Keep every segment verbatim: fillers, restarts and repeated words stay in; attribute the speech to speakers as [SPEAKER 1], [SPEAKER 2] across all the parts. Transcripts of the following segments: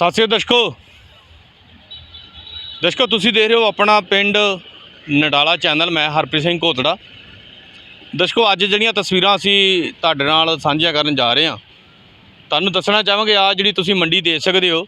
[SPEAKER 1] ਸਾਥੀਓ ਦਰਸ਼ਕੋ ਦਰਸ਼ਕੋ ਤੁਸੀਂ ਦੇਖ ਰਹੇ ਹੋ ਆਪਣਾ ਪਿੰਡ ਨਡਾਲਾ ਚੈਨਲ। ਮੈਂ ਹਰਪ੍ਰੀਤ ਸਿੰਘ ਘੋਤੜਾ। ਦਰਸ਼ਕੋ ਅੱਜ ਜਿਹੜੀਆਂ ਤਸਵੀਰਾਂ ਅਸੀਂ ਤੁਹਾਡੇ ਨਾਲ ਸਾਂਝੀਆਂ ਕਰਨ ਜਾ ਰਹੇ ਹਾਂ, ਤੁਹਾਨੂੰ ਦੱਸਣਾ ਚਾਹਾਂਗੇ ਆ ਜਿਹੜੀ ਤੁਸੀਂ ਮੰਡੀ ਦੇਖ ਸਕਦੇ ਹੋ,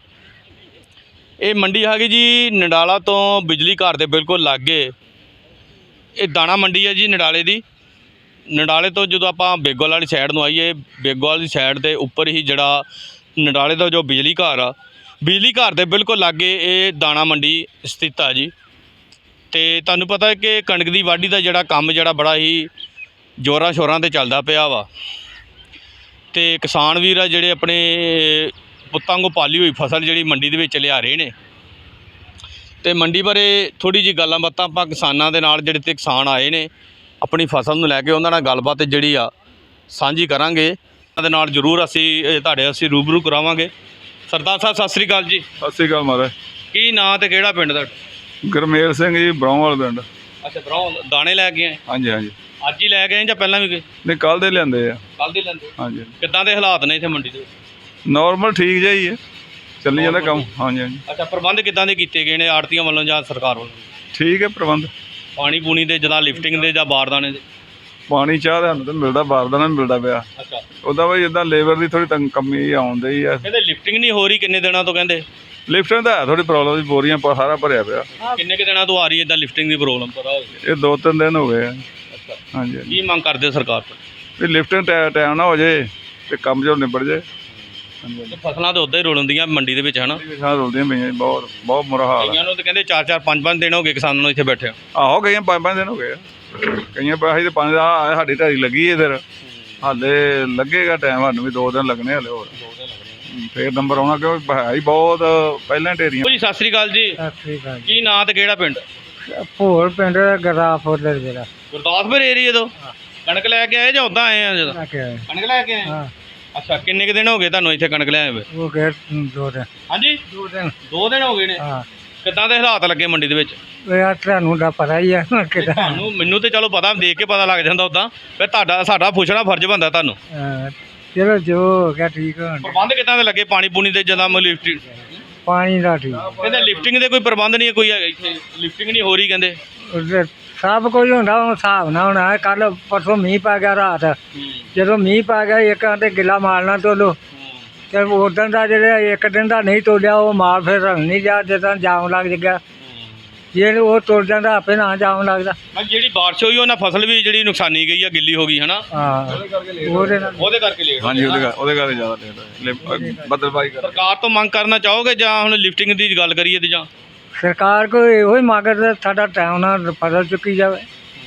[SPEAKER 1] ਇਹ ਮੰਡੀ ਹੈਗੀ ਜੀ ਨਡਾਲਾ ਤੋਂ ਬਿਜਲੀ ਘਰ ਦੇ ਬਿਲਕੁਲ ਲਾਗੇ। ਇਹ ਦਾਣਾ ਮੰਡੀ ਹੈ ਜੀ ਨਡਾਲੇ ਦੀ। ਨਡਾਲੇ ਤੋਂ ਜਦੋਂ ਆਪਾਂ ਬੇਗੋਵਾਲ ਵਾਲੀ ਸਾਈਡ ਨੂੰ ਆਈਏ, ਬੇਗੋਵਾਲ ਦੀ ਸਾਈਡ ਦੇ ਉੱਪਰ ਹੀ ਜਿਹੜਾ ਨਡਾਲੇ ਦਾ ਜੋ ਬਿਜਲੀ ਘਰ ਆ, ਬਿਜਲੀ ਘਰ ਦੇ ਬਿਲਕੁਲ ਲਾਗੇ ਇਹ ਦਾਣਾ ਮੰਡੀ ਸਥਿਤ ਆ ਜੀ। ਤੇ ਤੁਹਾਨੂੰ ਪਤਾ ਹੈ ਕਿ ਕਣਕ ਦੀ ਵਾਢੀ ਦਾ ਜਿਹੜਾ ਕੰਮ ਜਿਹੜਾ ਬੜਾ ਹੀ ਜ਼ੋਰਾਂ ਸ਼ੋਰਾਂ 'ਤੇ ਚੱਲਦਾ ਪਿਆ ਵਾ, ਤੇ ਕਿਸਾਨ ਵੀਰ ਆ ਜਿਹੜੇ ਆਪਣੇ ਪੁੱਤਾਂ ਵਾਂਗੂ ਪਾਲੀ ਹੋਈ ਫਸਲ ਜਿਹੜੀ ਮੰਡੀ ਦੇ ਵਿੱਚ ਲਿਆ ਰਹੇ ਨੇ। ਤੇ ਮੰਡੀ ਬਾਰੇ ਥੋੜ੍ਹੀ ਜਿਹੀ ਗੱਲਾਂ ਬਾਤਾਂ ਆਪਾਂ ਕਿਸਾਨਾਂ ਦੇ ਨਾਲ, ਜਿਹੜੇ ਤੇ ਕਿਸਾਨ ਆਏ ਨੇ ਆਪਣੀ ਫਸਲ ਨੂੰ ਲੈ ਕੇ, ਉਹਨਾਂ ਨਾਲ ਗੱਲਬਾਤ ਜਿਹੜੀ ਆ ਸਾਂਝੀ ਕਰਾਂਗੇ। ਉਹਨਾਂ ਦੇ ਨਾਲ ਜ਼ਰੂਰ ਅਸੀਂ ਤੁਹਾਡੇ ਅਸੀਂ ਰੂਬਰੂ ਕਰਾਵਾਂਗੇ। ਸਰਦਾਰ ਸਾਹਿਬ ਸਤਿ ਸ੍ਰੀ ਅਕਾਲ ਜੀ।
[SPEAKER 2] ਸਤਿ ਸ੍ਰੀ ਅਕਾਲ ਮਹਾਰਾਜ।
[SPEAKER 1] ਕੀ ਨਾਂ ਤੇ ਕਿਹੜਾ ਪਿੰਡ ਤੁਹਾਡਾ?
[SPEAKER 2] ਗੁਰਮੇਲ ਸਿੰਘ ਜੀ, ਬਰਾਉਵਾਲ ਪਿੰਡ।
[SPEAKER 1] ਅੱਛਾ, ਬਰਾਉ ਦਾਣੇ ਲੈ ਕੇ ਆਏ?
[SPEAKER 2] ਹਾਂਜੀ ਹਾਂਜੀ।
[SPEAKER 1] ਅੱਜ ਹੀ ਲੈ ਕੇ ਆਏ ਜਾਂ ਪਹਿਲਾਂ ਵੀ ਗਏ?
[SPEAKER 2] ਨਹੀਂ, ਕੱਲ੍ਹ ਦੇ ਲਿਆਂਦੇ ਆ।
[SPEAKER 1] ਕੱਲ੍ਹ ਦੇ ਲੈਂਦੇ?
[SPEAKER 2] ਹਾਂਜੀ।
[SPEAKER 1] ਕਿੱਦਾਂ ਦੇ ਹਾਲਾਤ ਨੇ ਇੱਥੇ ਮੰਡੀ ਦੇ?
[SPEAKER 2] ਨੋਰਮਲ ਠੀਕ ਜਿਹਾ ਹੀ ਹੈ, ਚੱਲੀ ਜਾਂਦਾ ਕੰਮ। ਹਾਂਜੀ ਹਾਂਜੀ।
[SPEAKER 1] ਅੱਛਾ, ਪ੍ਰਬੰਧ ਕਿੱਦਾਂ ਦੇ ਕੀਤੇ ਗਏ ਨੇ ਆੜਤੀਆਂ ਵੱਲੋਂ ਜਾਂ ਸਰਕਾਰ ਵੱਲੋਂ?
[SPEAKER 2] ਠੀਕ ਹੈ ਪ੍ਰਬੰਧ।
[SPEAKER 1] ਪਾਣੀ ਪੂਣੀ ਦੇ ਜਿੱਦਾਂ ਲਿਫਟਿੰਗ ਦੇ ਜਾਂ ਬਾਰਦਾਨੇ ਦੇ?
[SPEAKER 2] ਪਾਣੀ ਚਾਹ ਦਾ ਸਾਨੂੰ ਤਾਂ ਮਿਲਦਾ, ਬਾਰਦਾਨਾ ਵੀ ਮਿਲਦਾ ਪਿਆ।
[SPEAKER 1] ਅੱਛਾ।
[SPEAKER 2] ਉਹਦਾ ਬਈ ਇੱਦਾਂ ਲੇਬਰ ਦੀ ਥੋੜ੍ਹੀ ਤੰਗ ਕਮੀ ਆਉਂਦੀ ਹੀ ਆ।
[SPEAKER 1] ਕਹਿੰਦੇ ਲਿਫਟਿੰਗ ਨਹੀਂ ਹੋ ਰਹੀ ਕਿੰਨੇ ਦਿਨਾਂ ਤੋਂ? ਕਹਿੰਦੇ
[SPEAKER 2] ਲਿਫਟਿੰਗ ਦਾ ਹੈ ਥੋੜ੍ਹੀ ਪ੍ਰੋਬਲਮ, ਦੀ ਬੋਰੀਆਂ ਪਾ ਸਾਰਾ ਭਰਿਆ ਪਿਆ।
[SPEAKER 1] ਕਿੰਨੇ ਕੁ ਦਿਨਾਂ ਤੋਂ ਆ ਰਹੀ ਹੈ ਇੱਦਾਂ ਲਿਫਟਿੰਗ ਦੀ ਪ੍ਰੋਬਲਮ? ਪਤਾ ਹੋਵੇ।
[SPEAKER 2] ਇਹ ਦੋ ਤਿੰਨ ਦਿਨ ਹੋ ਗਏ ਆ।
[SPEAKER 1] ਅੱਛਾ।
[SPEAKER 2] ਹਾਂਜੀ ਹਾਂਜੀ।
[SPEAKER 1] ਕੀ ਮੰਗ ਕਰਦੇ ਹੋ ਸਰਕਾਰ ਤੋਂ?
[SPEAKER 2] ਵੀ ਲਿਫਟਿੰਗ ਟਾਈਮ ਨਾ ਹੋ ਜੇ ਤੇ ਕੰਮ ਜੋ ਨਿਬੜ ਜੇ। ਹਾਂਜੀ ਹਾਂਜੀ।
[SPEAKER 1] ਫਸਲਾਂ ਤਾਂ ਉੱਦਾਂ ਹੀ ਰੋਲਦੀਆਂ ਮੰਡੀ ਦੇ ਵਿੱਚ, ਹੈ ਨਾ?
[SPEAKER 2] ਕਿਸਾਨ ਰੁਲਦੀਆਂ ਪਈਆਂ ਜੀ, ਬਹੁਤ ਬਹੁਤ ਬੁਰਾ ਹਾਲ
[SPEAKER 1] ਕਈਆਂ ਨੂੰ ਤਾਂ ਕਹਿੰਦੇ ਚਾਰ ਚਾਰ ਪੰਜ ਪੰਜ ਦਿਨ ਹੋ ਗਏ ਕਿਸਾਨਾਂ ਨੂੰ ਇੱਥੇ ਬੈਠੇ।
[SPEAKER 2] ਆਹੋ, ਗਈਆਂ ਪੰਜ ਪੰਜ ਦਿਨ ਹੋ ਗਏ ਆ। ਕਈਆਂ ਪੈਸੇ ਤੇ ਪੰਜ ਦਾ ਸਾਡੀ ਢਾਈ ਲੱਗੀ ਹੈ, ਫਿਰ ਹਾਲੇ ਲੱਗੇਗਾ ਟਾਈਮ, ਸਾਨੂੰ ਵੀ ਦੋ ਦਿਨ ਲੱਗਣੇ ਹਾਲੇ ਹੋਰ। ਫੇਰ ਨੰਬਰ ਆਉਣਾ, ਕਿਉਂਕਿ ਹੈ ਹੀ ਬਹੁਤ ਪਹਿਲਾਂ ਢੇਰੀਆਂ।
[SPEAKER 1] ਜੀ ਸਤਿ ਸ੍ਰੀ ਅਕਾਲ ਜੀ।
[SPEAKER 3] ਸਤਿ ਸ੍ਰੀ ਅਕਾਲ।
[SPEAKER 1] ਕੀ ਨਾਂ ਤੇ ਕਿਹੜਾ ਪਿੰਡ?
[SPEAKER 3] ਭੋਲ ਪਿੰਡ ਗੁਰਦਾਸਪੁਰ ਦਾ ਜਿਹੜਾ।
[SPEAKER 1] ਗੁਰਦਾਸਪੁਰ ਏਰੀਏ ਤੋਂ ਕਣਕ ਲੈ ਕੇ ਆਏ ਜਾਂ ਉਦਾਂ ਆਏ ਆ? ਜਦੋਂ ਕਣਕ ਲੈ ਕੇ ਆਏ?
[SPEAKER 3] ਹਾਂ।
[SPEAKER 1] ਅੱਛਾ, ਕਿੰਨੇ ਕੁ ਦਿਨ ਹੋ ਗਏ ਤੁਹਾਨੂੰ ਇੱਥੇ ਕਣਕ ਲਿਆਏ ਹੋਏ?
[SPEAKER 3] ਉਹ ਗਏ ਦੋ ਦਿਨ।
[SPEAKER 1] ਹਾਂਜੀ,
[SPEAKER 3] ਦੋ ਦਿਨ।
[SPEAKER 1] ਦੋ ਦਿਨ ਹੋ ਗਏ ਨੇ।
[SPEAKER 3] ਹਾਂ।
[SPEAKER 1] ਕਿੱਦਾਂ ਦੇ ਹਾਲਾਤ ਲੱਗੇ ਮੰਡੀ ਦੇ ਵਿੱਚ?
[SPEAKER 3] ਯਾਰ ਤੁਹਾਨੂੰ ਦਾ ਪਤਾ ਹੀ ਆ ਕਿਦਾਂ।
[SPEAKER 1] ਤੁਹਾਨੂੰ ਮੈਨੂੰ ਤੇ ਚਲੋ ਪਤਾ, ਦੇਖ ਕੇ ਪਤਾ ਲੱਗ ਜਾਂਦਾ ਉਦਾਂ, ਫਿਰ ਤੁਹਾਡਾ ਸਾਡਾ ਪੁੱਛਣਾ ਫਰਜ਼ ਬਣਦਾ ਤੁਹਾਨੂੰ।
[SPEAKER 3] ਚਲੋ ਜੋ ਹੋ ਗਿਆ ਠੀਕ ਹੋ।
[SPEAKER 1] ਪ੍ਰਬੰਧ ਕਿੱਦਾਂ ਦੇ ਲੱਗੇ ਪਾਣੀ ਪੂਣੀ ਦੇ? ਜਦੋਂ ਲਿਫਟਿੰਗ
[SPEAKER 3] ਪਾਣੀ ਦਾ ਠੀਕ।
[SPEAKER 1] ਕਹਿੰਦੇ ਲਿਫਟਿੰਗ ਦੇ ਕੋਈ ਪ੍ਰਬੰਧ ਨਹੀਂ ਹੈ ਕੋਈ ਹੈਗਾ ਇੱਥੇ? ਲਿਫਟਿੰਗ ਨਹੀਂ ਹੋ ਰਹੀ ਕਹਿੰਦੇ।
[SPEAKER 3] ਉਹਦੇ ਸਭ ਕੁਝ ਹੁੰਦਾ, ਉਹ ਹਿਸਾਬ ਨਾਲ ਹੋਣਾ। ਕੱਲ ਪਰਸੋਂ ਮੀਂਹ ਪੈ ਗਿਆ ਰਾਤ, ਜਦੋਂ ਮੀਂਹ ਪੈ ਗਿਆ ਇੱਕ ਤੇ ਗਿੱਲਾ ਮਾਰਨਾ ਤੋਲੋ, ਤੇ ਉਦੋਂ ਦਾ ਜਿਹੜਾ ਇੱਕ ਦਿਨ ਦਾ ਨਹੀਂ ਤੋਲਿਆ ਉਹ ਮਾਲ ਫਿਰ ਰੰਗ ਨਹੀਂ ਜਾ, ਜਿੱਦਾਂ ਜਾਮ ਲੱਗ ਗਿਆ। ਜੇ ਉਹ ਤੁਰ ਜਾਂਦਾ ਆਪੇ ਨਾ ਜਾਮ ਲੱਗਦਾ।
[SPEAKER 1] ਜਿਹੜੀ ਬਾਰਿਸ਼ ਹੋਈ ਉਹਨਾਂ ਫਸਲ ਵੀ ਜਿਹੜੀ ਨੁਕਸਾਨੀ ਗਈ ਆ, ਗਿੱਲੀ ਹੋ ਗਈ, ਹਨਾ?
[SPEAKER 3] ਹਾਂ, ਉਹਦੇ ਨਾਲ
[SPEAKER 1] ਉਹਦੇ ਕਰਕੇ ਲੇਟ।
[SPEAKER 2] ਹਾਂਜੀ, ਉਹਦੇ ਕਰਕੇ ਉਹਦੇ ਕਰਕੇ ਜ਼ਿਆਦਾ ਲੇਟ ਬੱਦਲਬਾਈ ਕਰ।
[SPEAKER 1] ਸਰਕਾਰ ਤੋਂ ਮੰਗ ਕਰਨਾ ਚਾਹੋਗੇ ਜਾਂ ਹੁਣ ਲਿਫਟਿੰਗ ਦੀ ਗੱਲ ਕਰੀਏ ਤੇ ਜਾਂ
[SPEAKER 3] ਸਰਕਾਰ ਕੋਈ ਇਹੋ ਹੀ ਮੰਗਦਾ ਸਾਡਾ ਟਾਈਮ ਨਾਲ ਫਸਲ ਚੁੱਕੀ ਜਾਵੇ।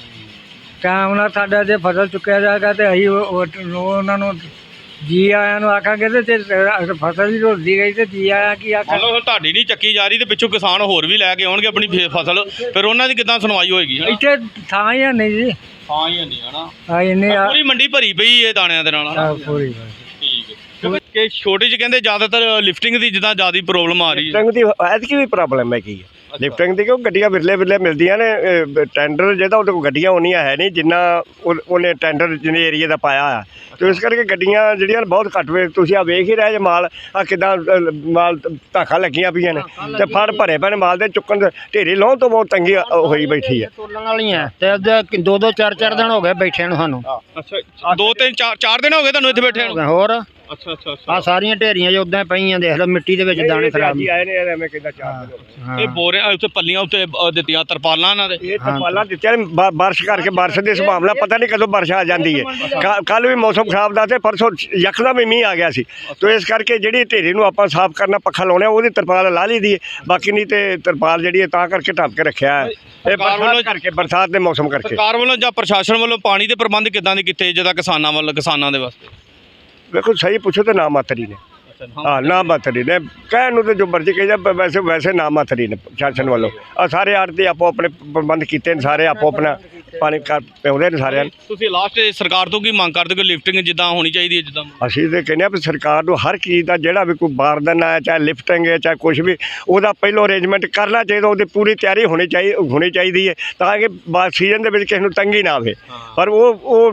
[SPEAKER 3] ਟਾਈਮ ਨਾਲ ਸਾਡਾ ਜੇ ਫਸਲ ਚੁੱਕਿਆ ਜਾਏਗਾ ਤੇ ਅਸੀਂ ਉਹਨਾਂ ਨੂੰ ਜੀ ਆਇਆਂ ਨੂੰ ਆਖਾਂਗੇ, ਤੇ ਫਸਲ ਹੀ ਰੁਲਦੀ ਗਈ ਤੇ ਜੀ ਆਇਆ ਕੀ ਆਖਾਂ।
[SPEAKER 1] ਮਤਲਬ ਤੁਹਾਡੀ ਨਹੀਂ ਚੱਕੀ ਜਾ ਰਹੀ ਤੇ ਪਿੱਛੋਂ ਕਿਸਾਨ ਹੋਰ ਵੀ ਲੈ ਕੇ ਆਉਣਗੇ ਆਪਣੀ ਫੇ- ਫਸਲ, ਫਿਰ ਉਹਨਾਂ ਦੀ ਕਿੱਦਾਂ ਸੁਣਵਾਈ ਹੋਏਗੀ? ਹਨਾ?
[SPEAKER 3] ਇੱਥੇ ਥਾਂ ਹੀ ਹੈ ਨਹੀਂ ਜੀ।
[SPEAKER 1] ਹਾਂ ਹੀ ਨਹੀਂ, ਹਨਾ?
[SPEAKER 3] ਆ ਇੰਨੇ ਆ
[SPEAKER 1] ਪੂਰੀ ਮੰਡੀ ਭਰੀ ਪਈ ਇਹ ਦਾਣਿਆਂ ਦੇ ਨਾਲ, ਹਨਾ?
[SPEAKER 3] ਪੂਰੀ
[SPEAKER 1] ਠੀਕ ਹੈ। ਕਿ ਛੋਟੇ 'ਚ ਕਹਿੰਦੇ ਜ਼ਿਆਦਾਤਰ ਲਿਫਟਿੰਗ ਦੀ ਜਿੱਦਾਂ ਜ਼ਿਆਦਾ ਪ੍ਰੋਬਲਮ ਆ ਰਹੀ ਹੈ।
[SPEAKER 4] ਲਿਫਟਿੰਗ ਦੀ ਐਤਕੀ ਵੀ ਪ੍ਰੋਬਲਮ ਹੈ ਕੀ ਲਿਫਟਿੰਗ ਦੀ, ਕਿਉਂ ਗੱਡੀਆਂ ਵਿਰਲੇ ਵਿਰਲੇ ਮਿਲਦੀਆਂ ਨੇ। ਟੈਂਡਰ ਜਿਹਦਾ ਉਹਦੇ ਕੋਲ ਗੱਡੀਆਂ ਉਨੀਆਂ ਹੈ ਨਹੀਂ ਜਿੰਨਾ ਉਹ- ਉਹਨੇ ਟੈਂਡਰ ਜਿਹਨੇ ਏਰੀਏ ਦਾ ਪਾਇਆ ਆ, ਤੇ ਇਸ ਕਰਕੇ ਗੱਡੀਆਂ ਜਿਹੜੀਆਂ ਬਹੁਤ ਘੱਟ ਵੇ। ਤੁਸੀਂ ਆ ਵੇਖ ਹੀ ਰਹੇ ਜੇ ਮਾਲ ਆ ਕਿੱਦਾਂ ਮਾਲ ਧਾਖਾਂ ਲੱਗੀਆਂ ਪਈਆਂ ਨੇ, ਤੇ ਫੜ ਭਰੇ ਪਏ ਨੇ ਮਾਲ ਦੇ, ਚੁੱਕਣ ਦੇ ਢੇਰੀ ਲਾਉਣ ਤੋਂ ਬਹੁਤ ਤੰਗੀ ਹੋਈ ਬੈਠੀ ਹੈ।
[SPEAKER 3] ਤੋਲਣ ਵਾਲੀਆਂ ਤੇ ਦੋ ਦੋ ਚਾਰ ਚਾਰ ਦਿਨ ਹੋ ਗਏ ਬੈਠਿਆਂ ਨੂੰ ਸਾਨੂੰ।
[SPEAKER 1] ਅੱਛਾ, ਦੋ ਤਿੰਨ ਚਾਰ ਚਾਰ ਦਿਨ ਹੋ ਗਏ ਤੁਹਾਨੂੰ ਇੱਥੇ ਬੈਠੇ ਨੂੰ?
[SPEAKER 3] ਹੋਰ
[SPEAKER 1] ਅੱਛਾ ਅੱਛਾ
[SPEAKER 3] ਆ ਸਾਰੀਆਂ ਢੇਰੀਆਂ ਜੋ ਉਦਾਂ ਪਈਆਂ, ਦੇਖ ਲਓ ਮਿੱਟੀ ਦੇ ਵਿੱਚ ਦਾਣੇ ਖਰਾਬ।
[SPEAKER 4] ਆਏ ਨੇ ਐਵੇਂ ਕਿੱਦਾਂ ਚਾਰ ਦਿਨ ਹੋ ਗਏ।
[SPEAKER 1] ਇਹ ਬੋਰੇ ਉੱਤੇ ਪੱਲੀਆਂ ਉੱਤੇ ਅ, ਦਿੱਤੀਆਂ ਤਰਪਾਲਾਂ ਇਹਨਾਂ ਦੇ।
[SPEAKER 4] ਇਹ ਤਰਪਾਲਾਂ ਦਿੱਤੀਆਂ ਨੇ, ਬਾ- ਬਾਰਿਸ਼ ਕਰਕੇ, ਬਾਰਿਸ਼ ਦੀ ਸੰਭਾਵਨਾ ਪਤਾ ਨਹੀਂ ਕਦੋਂ ਬਾਰਿਸ਼ ਆ ਜਾਂਦੀ ਹੈ। ਕੱਲ ਵੀ ਮੌਸਮ ਖਰਾਬ ਦਾ ਤੇ ਪਰਸੋਂ ਯਕਦਮ ਹੀ ਮੀਂਹ ਆ ਗਿਆ ਸੀ, ਤੇ ਇਸ ਕਰਕੇ ਜਿਹੜੀ ਢੇਰੀ ਨੂੰ ਆਪਾਂ ਸਾਫ਼ ਕਰਨਾ, ਪੱਖਾ ਲਾਉਣਾ, ਉਹਦੀ ਤਰਪਾਲ ਲਾ ਲਈ ਦੀ ਹੈ। ਬਾਕੀ ਨਹੀਂ ਤੇ ਤਰਪਾਲ ਜਿਹੜੀ ਹੈ ਤਾਂ ਕਰਕੇ ਢੱਕ ਕੇ ਰੱਖਿਆ ਹੈ, ਇਹ ਬਰਸਾਤ ਕਰਕੇ, ਬਰਸਾਤ ਦੇ ਮੌਸਮ ਕਰਕੇ।
[SPEAKER 1] ਸਰਕਾਰ ਵੱਲੋਂ ਜਾਂ ਪ੍ਰਸ਼ਾਸਨ ਵੱਲੋਂ ਪਾਣੀ ਦੇ ਪ੍ਰਬੰਧ ਕਿੱਦਾਂ ਦੇ ਕੀਤੇ ਜਿੱਦਾਂ ਕਿਸਾਨਾਂ ਵੱਲੋਂ, ਕਿਸਾਨਾਂ ਦੇ ਵਾਸਤੇ?
[SPEAKER 4] ਵੇਖੋ ਸਹੀ ਪੁੱਛੋ ਤਾਂ ਨਾ ਮਾਤਰੀ ਨੇ। ਹਾਂ, ਨਾ ਮਾਤਰੀ ਨੇ ਕਹਿਣ ਨੂੰ ਤੇ ਜੋ ਮਰਜ਼ੀ ਕਹੀ ਜਾ, ਵੈਸੇ ਵੈਸੇ ਨਾ ਮਾਤਰੀ ਨੇ ਪ੍ਰਸ਼ਾਸਨ ਵੱਲੋਂ। ਆ ਸਾਰੇ ਆੜ੍ਹਤੀ ਆਪੋ ਆਪਣੇ ਪ੍ਰਬੰਧ ਕੀਤੇ ਨੇ, ਸਾਰੇ ਆਪੋ ਆਪਣਾ ਪਾਣੀ ਕਰ ਪਿਆਉਂਦੇ ਨੇ ਸਾਰਿਆਂ ਨੂੰ।
[SPEAKER 1] ਤੁਸੀਂ ਲਾਸਟ ਸਰਕਾਰ ਤੋਂ ਕੀ ਮੰਗ ਕਰਦੇ ਹੋ? ਲਿਫਟਿੰਗ ਜਿੱਦਾਂ ਹੋਣੀ ਚਾਹੀਦੀ ਹੈ ਜਿੱਦਾਂ?
[SPEAKER 4] ਅਸੀਂ ਤਾਂ ਕਹਿੰਦੇ ਹਾਂ ਵੀ ਸਰਕਾਰ ਨੂੰ ਹਰ ਚੀਜ਼ ਦਾ ਜਿਹੜਾ ਵੀ ਕੋਈ ਬਾਰਦਾਨਾ ਹੈ, ਚਾਹੇ ਲਿਫਟਿੰਗ ਹੈ, ਚਾਹੇ ਕੁਛ ਵੀ, ਉਹਦਾ ਪਹਿਲੋਂ ਅਰੇਂਜਮੈਂਟ ਕਰਨਾ ਚਾਹੀਦਾ। ਉਹਦੀ ਪੂਰੀ ਤਿਆਰੀ ਹੋਣੀ ਚਾਹੀਦੀ ਹੋਣੀ ਚਾਹੀਦੀ ਹੈ ਤਾਂ ਕਿ ਸੀਜ਼ਨ ਦੇ ਵਿੱਚ ਕਿਸੇ ਨੂੰ ਤੰਗੀ ਨਾ ਆਵੇ। ਪਰ ਉਹ ਉਹ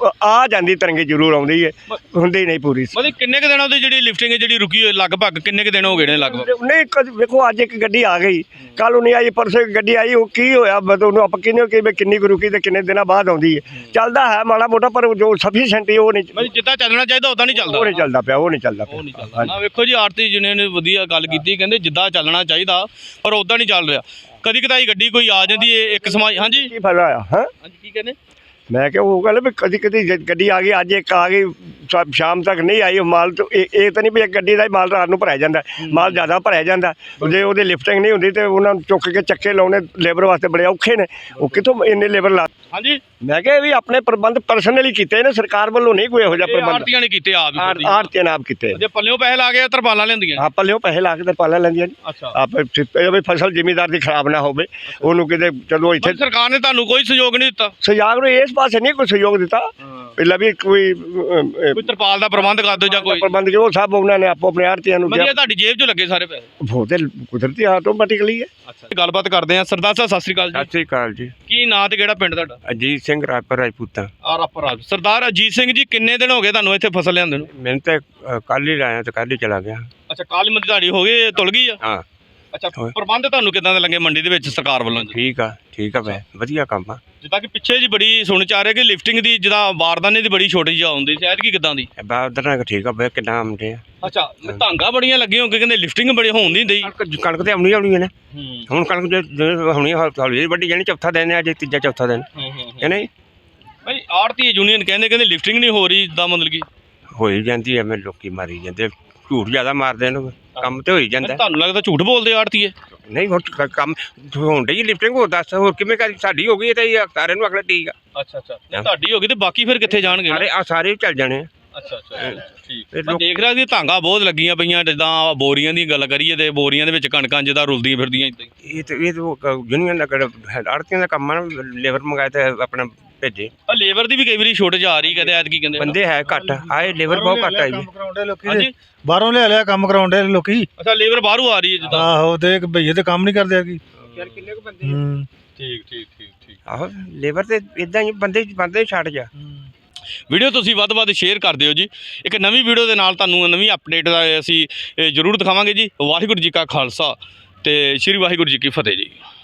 [SPEAKER 4] ਆ ਜਾਂਦੀ ਤਰੰਗੀ ਜ਼ਰੂਰ ਆਉਂਦੀ ਹੈ, ਹੁੰਦੀ ਨਹੀਂ ਪੂਰੀ।
[SPEAKER 1] ਮਤਲਬ ਕਿੰਨੇ ਕੁ ਦਿਨਾਂ ਤੋਂ ਜਿਹੜੀ ਲਿਫਟਿੰਗ ਹੈ ਜਿਹੜੀ ਰੁਕੀ ਹੋਈ ਲਗਭਗ ਕਿੰਨੇ ਕੁ ਦਿਨ ਹੋ ਗਏ ਨੇ ਲਗਭਗ?
[SPEAKER 4] ਨਹੀਂ ਕਦ ਵੇਖੋ ਅੱਜ ਇੱਕ ਗੱਡੀ ਆ ਗਈ, ਕੱਲ ਨੂੰ ਨਹੀਂ ਆਈ, ਪਰਸੋਂ ਇੱਕ ਗੱਡੀ ਆਈ, ਉਹ ਕੀ ਹੋਇਆ ਮਤਲਬ ਉਹਨੂੰ ਆਪਾਂ ਕਿੰਨੇ ਕਿ ਵੀ ਕਿੰਨੀ ਕੁ ਰੁਕੀ ਤੇ ਕਿੰਨੇ ਦਿਨਾਂ ਬਾਅਦ ਆਉਂਦੀ ਹੈ। ਚੱਲਦਾ ਹੈ ਮਾੜਾ ਮੋਟਾ, ਪਰ ਜੋ ਸਫੀਸ਼ੀਐਂਟ ਉਹ ਨਹੀਂ,
[SPEAKER 1] ਮਤਲਬ ਜਿੱਦਾਂ ਚੱਲਣਾ ਚਾਹੀਦਾ ਉਦਾਂ ਨਹੀਂ ਚੱਲਦਾ।
[SPEAKER 4] ਉਹ ਨਹੀਂ ਚੱਲਦਾ ਪਿਆ, ਉਹ ਨਹੀਂ ਚੱਲਦਾ
[SPEAKER 1] ਉਹ ਨਹੀਂ
[SPEAKER 4] ਪਿਆ।
[SPEAKER 1] ਚੱਲਦਾ ਨਾ। ਵੇਖੋ ਜੀ ਆਰਤੀ ਯੂਨੀਅਨ ਨੇ ਵਧੀਆ ਗੱਲ ਕੀਤੀ, ਕਹਿੰਦੇ ਜਿੱਦਾਂ ਚੱਲਣਾ ਚਾਹੀਦਾ ਪਰ ਉਦਾਂ ਨਹੀਂ ਚੱਲ ਰਿਹਾ। ਕਦੀ ਕਦਾਈ ਗੱਡੀ ਕੋਈ ਆ ਜਾਂਦੀ ਹੈ ਇੱਕ ਸਮਾਜ। ਹਾਂਜੀ
[SPEAKER 4] ਕੀ ਫਾਇਦਾ ਆ? ਹਾਂ
[SPEAKER 1] ਹਾਂਜੀ ਕੀ ਕਹਿੰਦੇ?
[SPEAKER 4] ਮੈਂ ਕਿਹਾ ਉਹ ਗੱਲ ਵੀ ਕਦੀ ਕਦੀ ਜ- ਗੱਡੀ ਆ ਗਈ, ਅੱਜ ਇੱਕ ਆ ਗਈ, ਸ਼ਾ- ਸ਼ਾਮ ਤੱਕ ਨਹੀਂ ਆਈ ਉਹ ਮਾਲ, ਤਾਂ ਇਹ ਇਹ ਤਾਂ ਨਹੀਂ ਵੀ ਇੱਕ ਗੱਡੀ ਦਾ ਹੀ ਮਾਲ ਰਾਤ ਨੂੰ ਭਰਿਆ ਜਾਂਦਾ, ਮਾਲ ਜ਼ਿਆਦਾ ਭਰਿਆ ਜਾਂਦਾ। ਜੇ ਉਹਦੀ ਲਿਫਟਿੰਗ ਨਹੀਂ ਹੁੰਦੀ ਤੇ ਉਹਨਾਂ ਨੂੰ ਚੁੱਕ ਕੇ ਚੱਕੇ ਲਾਉਣੇ ਲੇਬਰ ਵਾਸਤੇ ਬੜੇ ਔਖੇ ਨੇ, ਉਹ ਕਿੱਥੋਂ ਇੰਨੇ ਲੇਬਰ ਲਾ।
[SPEAKER 1] ਹਾਂਜੀ
[SPEAKER 4] ਮੈਂ ਕਿਹਾ ਇਹ ਵੀ ਆਪਣੇ ਪ੍ਰਬੰਧ ਪਰਸਨਲੀ ਕੀਤੇ ਨੇ, ਸਰਕਾਰ ਵੱਲੋਂ ਨਹੀਂ ਕੋਈ ਇਹੋ ਜਿਹਾ ਪ੍ਰਬੰਧ।
[SPEAKER 1] ਆਰਤੀਆਂ ਨੇ ਕੀਤੇ ਆਪ ਹੀ।
[SPEAKER 4] ਆੜਤੀਆਂ ਨੇ ਆਪ ਕੀਤੇ।
[SPEAKER 1] ਜੇ ਪੱਲਿਓਂ ਪੈਸੇ ਲਾ ਕੇ ਤਰਪਾਲਾਂ ਲੈਂਦੀਆਂ।
[SPEAKER 4] ਆਪ ਪੱਲਿਓਂ ਪੈਸੇ ਲਾ ਕੇ ਤਰਪਾਲਾਂ ਲੈਂਦੀਆਂ ਜੀ।
[SPEAKER 1] ਅੱਛਾ
[SPEAKER 4] ਆਪ ਇਹ ਵੀ ਫਸਲ ਜ਼ਿਮੀਦਾਰ ਦੀ ਖਰਾਬ ਨਾ ਹੋਵੇ, ਉਹਨੂੰ ਕਿਤੇ ਚਲੋ ਇੱਥੇ
[SPEAKER 1] ਸਰਕਾਰ ਨੇ ਤੁਹਾਨੂੰ ਕੋਈ ਸਹਿਯੋਗ ਨਹੀਂ ਦਿੱਤਾ?
[SPEAKER 4] ਸਹਿਯੋਗ ਨੂੰ ਇਸ ਪਾਸੇ ਨਹੀਂ ਕੋਈ ਸਹਿਯੋਗ ਦਿੱਤਾ। ਪਹਿਲਾਂ ਵੀ ਕੋਈ ਅ,
[SPEAKER 1] ਕੋਈ ਤਰਪਾਲ ਦਾ ਪ੍ਰਬੰਧ ਕਰ ਦਿਓ ਜਾਂ ਕੋਈ
[SPEAKER 4] ਪ੍ਰਬੰਧ ਜੋ ਸਭ ਉਹਨਾਂ ਨੇ ਆਪੋ ਆਪਣੇ ਆੜਤੀਆਂ ਨੂੰ
[SPEAKER 1] ਵਧੀਆ ਤੁਹਾਡੀ ਜੇਬ 'ਚ ਲੱਗੇ ਸਾਰੇ ਪੈਸੇ।
[SPEAKER 4] ਉਹ ਤੇ ਕੁਦਰਤੀ ਆਟੋਮੈਟਿਕਲੀ ਹੈ।
[SPEAKER 1] ਅੱਛਾ ਗੱਲਬਾਤ ਕਰਦੇ ਆ। ਸਰਦਾਰ ਸਾਹਿਬ ਸਤਿ ਸ੍ਰੀ ਅਕਾਲ
[SPEAKER 5] ਸਤਿ
[SPEAKER 1] ਜੀ।
[SPEAKER 5] ਸ੍ਰੀ ਅਕਾਲ ਜੀ।
[SPEAKER 1] ਕੀ ਨਾਂ ਤੇ ਕਿਹੜਾ ਪਿੰਡ ਤੁਹਾਡਾ?
[SPEAKER 5] ਅਜੀਤ ਸਿੰਘ ਰਾਜਪੁਰ ਰਾਜਪੂਤਾਂ।
[SPEAKER 1] ਆ ਰਾਪਰ ਸਰਦਾਰ ਅਜੀਤ ਸਿੰਘ ਜੀ, ਕਿੰਨੇ ਦਿਨ ਹੋ ਗਏ ਤੁਹਾਨੂੰ ਇੱਥੇ ਫਸਲ ਲਿਆਂਦੇ ਨੂੰ?
[SPEAKER 5] ਮੈਨੂੰ ਤਾਂ ਕੱਲ ਹੀ ਲਾਇਆ ਤੇ ਕੱਲ ਹੀ ਚਲਾ ਗਿਆ।
[SPEAKER 1] ਅੱਛਾ ਕਾਲੀ ਮੰਡੀ ਤੁਹਾਡੀ ਹੋ ਗਈ ਤੁਲ ਗਈ ਆ?
[SPEAKER 5] ਹਾਂ
[SPEAKER 1] ਅੱਛਾ ਪ੍ਰਬੰਧ ਤੁਹਾਨੂੰ ਕਿੱਦਾਂ ਦੇ ਲੱਗੇ ਮੰਡੀ ਦੇ ਵਿੱਚ ਸਰਕਾਰ ਵੱਲੋਂ ਜੀ?
[SPEAKER 5] ਠੀਕ ਆ ਠੀਕ ਆ ਵੈ ਵਧੀਆ ਕੰਮ ਆ।
[SPEAKER 1] ਜਿੱਦਾਂ ਕਿ ਪਿੱਛੇ ਜੀ ਬੜੀ ਸੁਣ ਚ ਆ ਰਿਹਾ ਕਿ ਲਿਫਟਿੰਗ ਦੀ ਜਿੱਦਾਂ ਬਾਰਦਾਨੇ ਦੀ ਬੜੀ ਛੋਟੇਜ ਆਉਂਦੀ ਸ਼ਾਇਦ ਕੀ ਕਿੱਦਾਂ ਦੀ?
[SPEAKER 5] ਬਾਦਰ ਨਾਲ ਠੀਕ ਆ ਵੈ ਕਿੰਨਾ ਆਉਂਦੇ ਆ।
[SPEAKER 1] ਅੱਛਾ ਧਾਂਗਾ ਬੜੀਆਂ ਲੱਗੀਆਂ ਹੋਣਗੇ, ਕਹਿੰਦੇ ਲਿਫਟਿੰਗ ਬੜੀ ਹੋਣ ਨਹੀਂ ਦਈ।
[SPEAKER 5] ਕਣਕ ਕਣਕ ਤੇ ਆਉਣੀ ਆਉਣੀ ਹੈ ਨਾ।
[SPEAKER 1] ਹੂੰ
[SPEAKER 5] ਹੁਣ ਕਣਕ ਜੇ ਜੇ ਹੋਣੀ ਹੌਲੀ ਵੱਡੀ ਜਾਣੀ, ਚੌਥਾ ਦਿਨ ਹੈ ਅੱਜ, ਤੀਜਾ ਚੌਥਾ ਦਿਨ ਹੈ ਨਹੀਂ।
[SPEAKER 1] ਭਾਈ ਆੜਤੀ ਯੂਨੀਅਨ ਕਹਿੰਦੇ ਕਹਿੰਦੇ ਲਿਫਟਿੰਗ ਨਹੀਂ ਹੋ ਰਹੀ ਜਿੱਦਾਂ ਮਤਲਬ ਕਿ
[SPEAKER 5] ਹੋਈ ਜਾਂਦੀ ਐਵੇਂ ਲੋਕੀ ਮਾਰੀ ਜਾਂਦੇ, ਝੂਠ ਜ਼ਿਆਦਾ ਮਾਰਦੇ ਨੇ, ਕੰਮ ਤੇ ਹੋਈ ਜਾਂਦਾ।
[SPEAKER 1] ਤੁਹਾਨੂੰ ਲੱਗਦਾ ਝੂਠ ਬੋਲਦੇ ਆੜਤੀਏ?
[SPEAKER 5] ਨਹੀਂ ਹੁਣ ਕ- ਕੰਮ ਹੋਣ ਡਈ ਲਿਫਟਿੰਗ, ਹੋਰ ਦੱਸ ਹੋਰ ਕਿਵੇਂ ਕਰੀ? ਸਾਡੀ ਹੋ ਗਈ ਤੇ ਇਹ ਸਾਰਿਆਂ ਨੂੰ ਅਗਲਾ ਠੀਕ ਆ।
[SPEAKER 1] ਅੱਛਾ ਅੱਛਾ ਤੁਹਾਡੀ ਹੋ ਗਈ ਤੇ ਬਾਕੀ ਫਿਰ ਕਿੱਥੇ ਜਾਣਗੇ?
[SPEAKER 5] ਸਾਰੇ ਆ ਸਾਰੇ ਚੱਲ ਜਾਣੇ ਆ।
[SPEAKER 1] ਅੱਛਾ ਅੱਛਾ ਠੀਕ।
[SPEAKER 5] ਇਹ
[SPEAKER 1] ਮੈਂ
[SPEAKER 5] ਲੋਕ-
[SPEAKER 1] ਦੇਖ ਰਿਹਾ ਸੀ ਧਾਂਗਾ ਬਹੁਤ ਲੱਗੀਆਂ ਪਈਆਂ, ਜਿੱਦਾਂ ਬੋਰੀਆਂ ਦੀ ਗੱਲ ਕਰੀਏ ਤੇ ਬੋਰੀਆਂ ਦੇ ਵਿੱਚ ਕਣਕਾਂ ਜਿੱਦਾਂ ਰੁਲਦੀਆਂ ਫਿਰਦੀਆਂ ਇਦਾਂ ਹੀ।
[SPEAKER 5] ਇਹ ਤੇ ਇਹ ਤਾਂ ਯੂਨੀਅਨ ਦਾ ਆੜਤੀਆਂ ਦਾ ਕੰਮ ਆ ਨਾ, ਲੇਬਰ ਮੰਗਾਏ ਤੇ ਆਪਣਾ ਭੇਜੇ।
[SPEAKER 1] ਆ ਲੇਬਰ ਦੀ ਵੀ ਕਈ ਵਾਰੀ ਛੋਟੇਜ ਆ ਰਹੀ, ਕਹਿੰਦੇ ਐਤਕੀ ਕਹਿੰਦੇ
[SPEAKER 5] ਬੰਦੇ ਹੈ ਘੱਟ ਆਏ, ਲੇਬਰ ਬਹੁਤ ਘੱਟ ਆਈ ਜੀ।
[SPEAKER 3] ਕਰਾਉਂਦੇ ਲੋਕੀ
[SPEAKER 1] ਹਾਂਜੀ
[SPEAKER 3] ਬਾਹਰੋਂ ਲਿਆ ਲਿਆ ਕੰਮ ਕਰਾਉਂਦੇ ਲੋਕੀ।
[SPEAKER 1] ਅੱਛਾ ਲੇਬਰ ਬਾਹਰੋਂ ਆ ਰਹੀ ਹੈ ਜਿੱਦਾਂ?
[SPEAKER 3] ਆਹੋ ਤੇ ਭਈਏ ਤੇ ਕੰਮ ਨਹੀਂ ਕਰਦੇ ਆ ਕੀ।
[SPEAKER 5] ਯਾਰ ਕਿੰਨੇ ਕੁ ਬੰਦੇ
[SPEAKER 3] ਹੂੰ
[SPEAKER 1] ਠੀਕ ਠੀਕ ਠੀਕ ਠੀਕ।
[SPEAKER 5] ਆਹੋ ਲੇਬਰ ਤੇ ਇਦਾਂ ਹੀ ਬੰਦੇ ਬੰਦੇ ਛੱਡ ਜਾ।
[SPEAKER 1] ਵੀਡੀਓ ਤੁਸੀਂ ਵੱਧ ਵੱਧ ਸ਼ੇਅਰ ਕਰ ਦਿਓ ਜੀ। ਇੱਕ ਨਵੀਂ ਵੀਡੀਓ ਦੇ ਨਾਲ ਤੁਹਾਨੂੰ ਨਵੀਂ ਅਪਡੇਟ ਦਾ ਅਸੀਂ ਇਹ ਜ਼ਰੂਰ ਦਿਖਾਵਾਂਗੇ ਜੀ। ਵਾਹਿਗੁਰੂ ਜੀ ਕਾ ਖਾਲਸਾ ਤੇ ਸ੍ਰੀ ਵਾਹਿਗੁਰੂ ਜੀ ਕੀ ਫਤਿਹ ਜੀ।